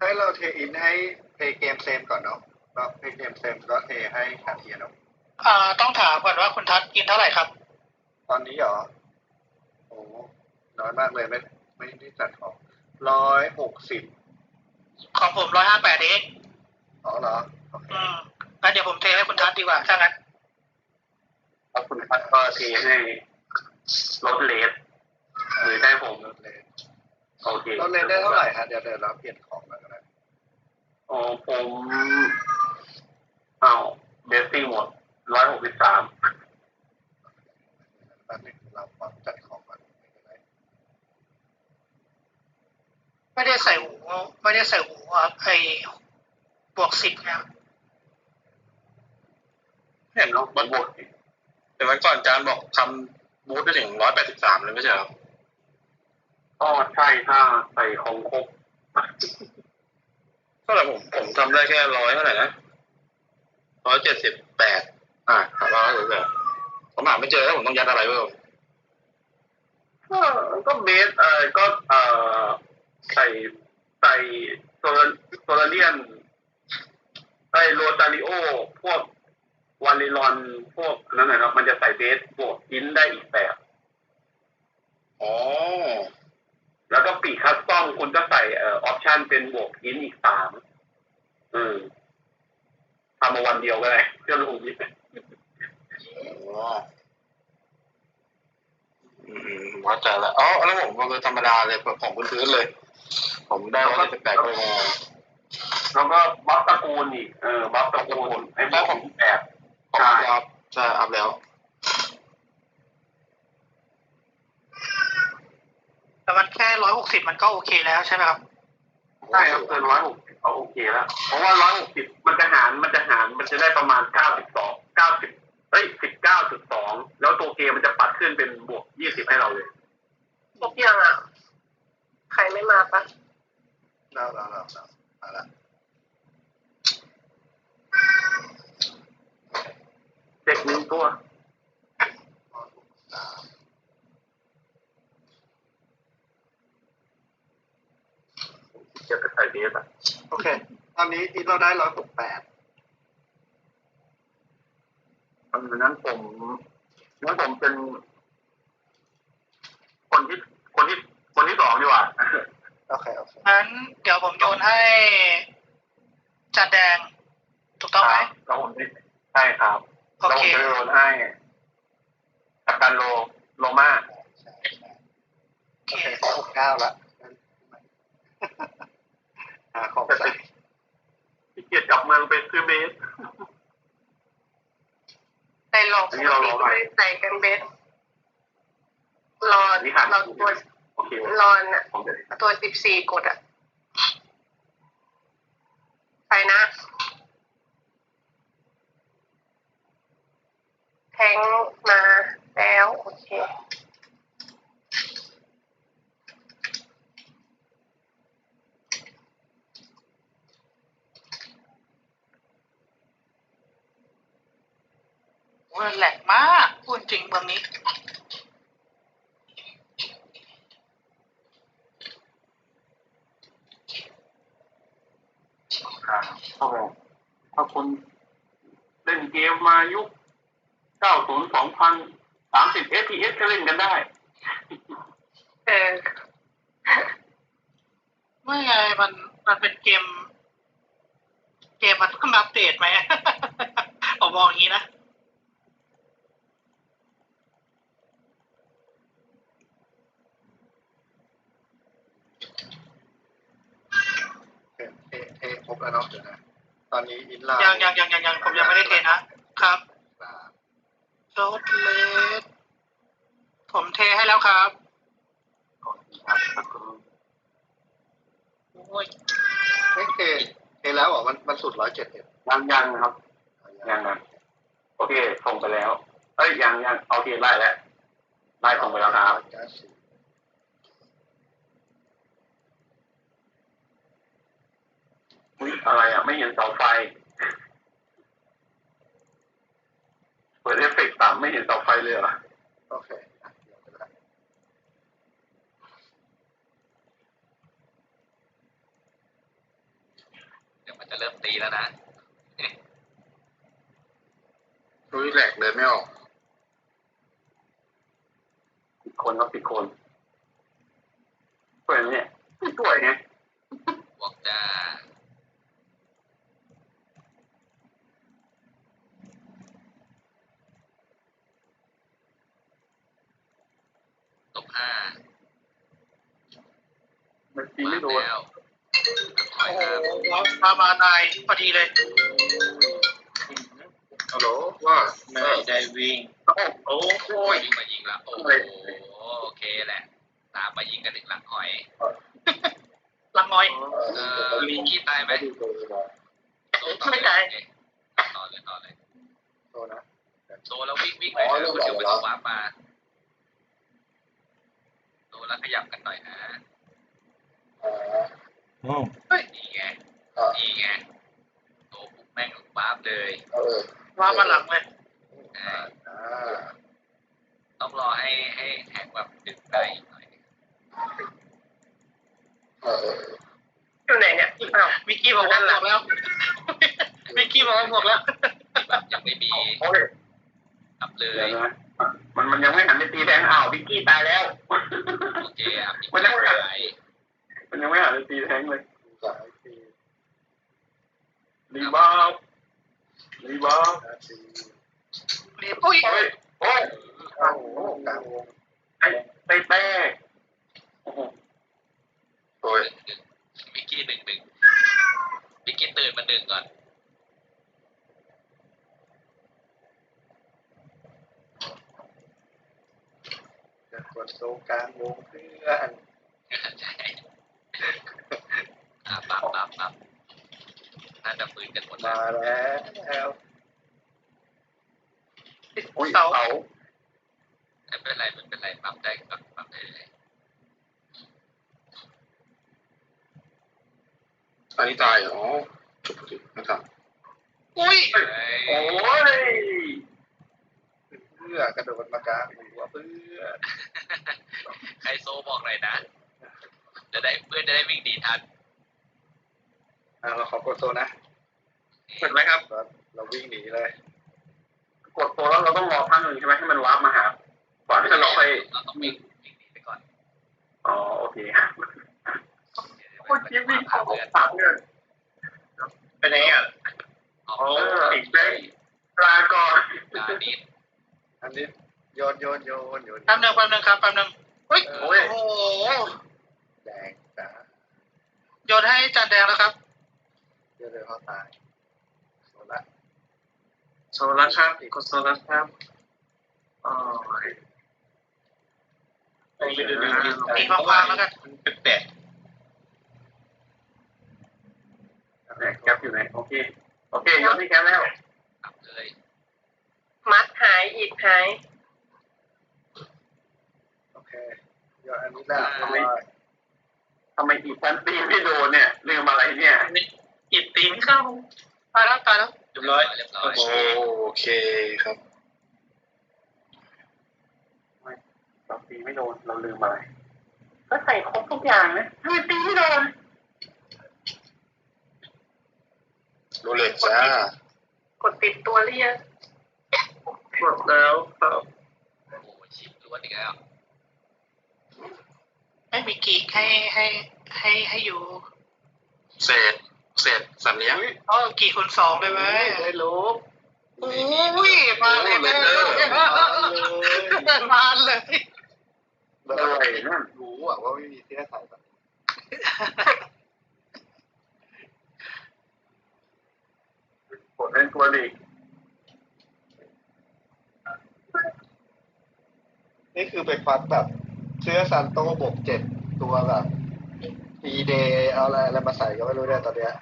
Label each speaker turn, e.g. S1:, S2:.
S1: ให้เราเทอินให้เพย์เกมเซมก่อนเนาะแล้วเพย์เกมเซมก็เทให้คาเทียเนาะ
S2: ต้องถามก่อนว่าคุณทัศน์กินเท่าไหร่ครับ
S1: ตอนนี้เหรอโอ้น้อยมากเลยไม่ได้จัดของ160
S2: ของผม158เอง
S1: อ๋อเหรอโอเค
S2: งั้นเดี๋ยวผมเทให้คุณทัศน์ดีกว่าถ้างั้น
S3: แล้วคุณพัดก็เทให้ลดเลสหรือได้ผม
S1: ลดเลน
S3: โอเค
S1: ลดเลนได้เท่าไหร่ฮะเดี๋ยวเราเปลี่ยนของมาก็ได้
S3: อ๋อผมเอาเบสซิ่งหมด163
S1: แป๊บนึงเราขอจัดของก่อน
S2: ไม่ได้ใส่หูไอ้บวก10เนี่ย
S4: เห็นเนาะมันบวกแต่วันก่อนอาจารย์บอกทำบูทได้ถึง183เลยไม่ใช่เหรอ
S3: ก็ใช่ถ้าใส่ของครบ
S4: เท่าไหร่ผมทำได้แค่100เท่าไหร่นะ178178ผมหาไม่เจอแล้วผมต้องยัดอะไรเพิ่ม
S3: ก็เบสก็ใส่โซลาเรียนโรตาริโอพวกวาลิลอนพวกนั้นนะครับมันจะใส่เบสบวกอินได้อีกแบบ
S4: อ๋อ
S3: แล้วก็ปีกคัสตอมคุณก็ใส่ออปชันเป็นบวกอินอีก3ทำมาวันเดียวก็ได้เพื่อลงยิบ
S4: วัดใจแล้วอ๋อแล้วผมก็ธรรมดาเลยของพื้นเลยผมได้178ก็เลยงง
S3: แล้วก็บัฟตระกูลอีกบัฟตระกูลไอ้พวกแบบ
S4: ใช่ครับใช่อัพแล้ว
S2: แต่มันแค่160มันก็โอเคแล้วใช่ไหมครับ
S3: ใช่ครับเกิน160เขาโอเคแล้วเพราะว่า160มันจะได้ประมาณ19.2แล้วตัวเกมมันจะปัดขึ้นเป็นบวก20ให้เราเลย
S5: ครบยังอ่ะใครไม่มาปะ
S1: เรามาละ
S3: เด็ก1ตัวจะไปใส่เบสอ่ะ
S1: โอเคตอนนี้เราได้168
S3: นั้นผมเป็นคนที่2ดีกว่า
S1: โอเค
S2: งั้นเดี๋ยวผมโยนให้จัดแดงถูกต้องไหม
S3: เราใช่ครับเราจะโยนให้กัปตันโลมา
S1: โอเค69ละของใส่
S3: ที่เกียรจับเมืองไปซื้อเบส
S5: ใส่หลอกไม่ใส่กันเบสรอนตัวรอนอ่ะตัว14กดอ่ะใส่นะแทงมาแล้วโอเค
S2: แหลกมากพูดจริงเมืองนี้
S3: ถ้าคนเล่นเกมมายุค90 2000 30 FPS ก็เล่นกันได้
S2: ไม่ไงมันเป็นเกมมันต้องอัปเดตไหมผมมองอย่างนี้นะ
S1: เทครบแล้วเนาะเดี๋ยวนะตอนนี้อินไลน์
S2: ยังผมยังไม่ได้เทนะครับโรดเลสผมเทให้แล้วครับ
S1: โอ้ยไม่เทแล้วเหรอมันสุด171
S3: ยังครับยังโอเคส่งไปแล้วยังเอาเทียนไล่แล้วไล่ส่งไปแล้วครับอะไรอ่ะไม่เห็นเสาไฟเปิดเอฟเฟกต์ต่ำไม่เห็นเสาไฟเลยเหรอ
S1: โอเค
S2: เริ่มตีแล้วนะ
S4: อุ้ยแหลกเลยไม่ออก
S3: ผิดคนครับผิดคนสวยไหมเนี่ยไม่สวยไง
S2: บอกจ้า-5
S3: มันตีไม่โดน
S2: แล้วถอย
S5: โอ้
S2: ครับ
S5: โหมาตายพอดีเลย
S4: ฮัลโหลว่า
S2: ไม่ได้วิ่ง
S3: โอ้โห
S2: วิ่งมายิงละโอ้โหโอเคแหละ ตามมายิงกันอีกหลังหอย
S5: หลังน้อย
S2: มีขี้ตายไหม
S5: ไม่ตาย
S2: ต่อเลย
S1: โซนะ
S2: โซแล้ววิ่งหน่อยนะเดี๋ยวมันจะวาร์ปมาโซแล้วขยับกันหน่อยนะนี่ไงโซปุ๊บแม่งวาร์ปเลย
S5: ว่ามาหลังเลย
S2: ต้องรอให้แท็กแบบดึงได้อีกหน่อย
S5: อยู่ไหนเนี่ยอ้าวมิกกี้บอกว่าหมดแล้ว มิกกี้บอกว่าหมดแล้ว
S2: แบบยังไม่มี
S3: โอ้ย
S2: อัพเล
S3: เดี๋ยวย นะมันยังไม่หันไปตีแทงอ้าววิกกี้ตายแล้ว
S2: โอเคอัพอีก
S3: มันยังไม่หัน
S2: หาย
S3: มันยังไม่หันไปตีแทงเลย
S1: สายที
S3: รีบาวรีบาว
S1: ที
S5: เรียบอุ้ย
S3: โอ้ยโอ้ย
S1: โอ้โหกลางวง
S3: ไอ้แป้โอ้โห
S4: โอ้ย
S2: มิกกี้ดึงมิกกี้ตื่นมาดึงก่อน
S1: จะกดโซกลางวงเพื่อน
S2: ใช่ปับน่าจะปืนกันหมด
S1: มาแล้ว
S3: อุ้ย
S5: เสา
S3: เสา
S2: ไม่เป็นไรปรับได้ก่อนปรับได้เลย
S4: อันนี้ตายอ๋อจบสินะครับ
S5: อุ้ย
S3: โอ้ย
S1: เพื่อกระโดดมากลางหัวเพื่อ
S2: ใครโซบอกหน่อยนะเพื่อนจะได้วิ่งดีทัน
S1: เราขอกดโซนะ
S3: เห็นไหมครับ
S1: เราวิ่งหนีเลย
S3: กดตัวแล้วเราต้องรอพักหนึ่งใช่ไหมให้มันวาร์ปมาหาก่อนที่จะล็อกไป
S2: เราต้องวิ่งหนีไปก่อน
S3: อ๋อโอเคโอ้ยวิ่งเข้าปากเนี่ย
S5: ไปไหนอ่ะ
S2: ออก
S3: อีกได้ปลาก่อน
S2: ดานิด
S1: อันนี้โยน
S5: แป๊บนึงครับแป๊บนึงเฮ้ยโอ้โห
S1: แดงจ้า
S5: โยนให้จานแดงแล้วครับ
S1: เดี๋ยวเขาตายโซละ
S3: โซลัสครับกดโซลัสครับอ๋อ
S5: ตีความวางแล้วกัน
S2: แปลก
S3: แคปอยู่ไหนโอเคยกที่แคปแล้ว
S2: ปรับเลย
S5: มัดหายอิดหาย
S1: โอเคโยนอันนี้ได้
S3: ทำไมอีกชั้นตีไม่โดนเนี่ยลืมอะไรเนี่ย
S5: อิดตีไม่เข้าตายแล้ว
S2: เรียบร้อย
S4: โอเคครับ
S3: เราตีไม่โดนเราลืมอะไรก็ใส่ครบทุกอย่างนะทำไมตีไม่โดน
S4: โรเล็กจ้าก
S5: ดติดตัวเรียก
S3: กดแล้วครับ
S2: โอ้ชิปล้วนอีกแล้ว
S5: ไม่มีกีกให้อยู่
S4: เศษสัตว์เลี้ยง
S5: อ๋อกีคูณ2เลยไหม
S1: ได้รู้
S5: อุ้ยมาเลยมาเลย
S3: อะไรนั่น
S1: รู้ว่าไม่มีเสื้อใส่แบบ
S3: กดเล่นตัวลีก
S1: นี่คือไปฟัดแบบเสื้อซันโต้บวก7ตัวแบบดีเดย์เอาอะไรมาใส่ก็ไม่รู้เนี่ยตอนเนี้ย